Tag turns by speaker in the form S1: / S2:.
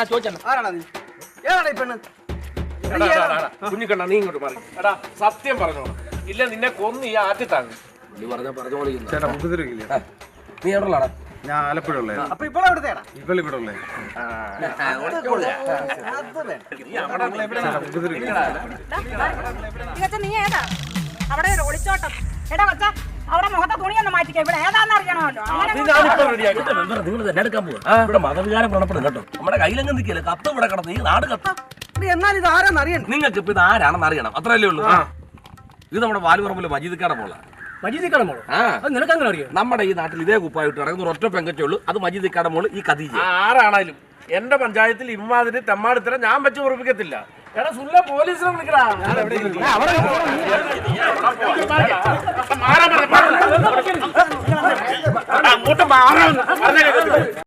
S1: കുഞ്ഞിക്കണ്ണ നീ ഇങ്ങോട്ട് മാറി. എടാ സത്യം പറഞ്ഞോളാം, ഇല്ല നിന്നെ കൊന്ന് ഈ ആറ്റി താങ്ങും.
S2: ചേട്ടാ മുഖത്തിരിക്കില്ല.
S1: നീ എവിടെയുള്ളാടാ?
S2: ഞാൻ ആലപ്പുഴ ഉള്ളത്.
S3: അപ്പൊ ഇപ്പോൾ എവിടുത്തേടാ?
S2: ഇപ്പോൾ ഇവിടെ ഉള്ളത്.
S4: നീ ഏതാ അവിടെ ഒളിച്ചോട്ടം? എടാ കൊച്ചാ, അവിടെ മുഖത്തെ തുണിയൊന്ന് മാറ്റിക്കോ. ഇവിടെ ഏതാന്ന് അറിയണമല്ലോ.
S5: നിങ്ങൾ തന്നെ എടുക്കാൻ പോവാ. ഇവിടെ മതവികാരം വ്രണപ്പെടും കേട്ടോ. നമ്മുടെ കയ്യിലെങ്ങും നിൽക്കില്ല. കത്ത് ഇവിടെ കിടന്ന് ഈ നാട് കത്ത്.
S3: എന്നാൽ ഇത് ആരാന്ന് അറിയണം.
S5: നിങ്ങൾക്ക് ഇപ്പൊ ഇത് ആരാണെന്ന് അറിയണം, അത്രയല്ലേ ഉള്ളൂ. ഇത് നമ്മുടെ വാലുപറമ്പിലെ മജീദിക്കാടെ മോളാ.
S6: മജീദിക്കാടെ മോള്? നിനക്ക് അങ്ങനെ അറിയാം?
S5: നമ്മുടെ ഈ നാട്ടിൽ ഇതേ കുപ്പായിട്ട് നടക്കുന്ന ഒറ്റ പെങ്കച്ചേ ഉള്ളൂ, അത് മജീദിക്കാടെ മോള് ഈ ഖദീജ.
S1: ആരാണേലും എന്റെ പഞ്ചായത്തിൽ ഇമ്മാതിരി തെമ്മാടിത്തരം ഞാൻ വെച്ച് ഉറപ്പിക്കത്തില്ല. എടാ സുല്ല പോലീസിനെ വിളിക്കടാ. അങ്ങോട്ട് മാറാൻ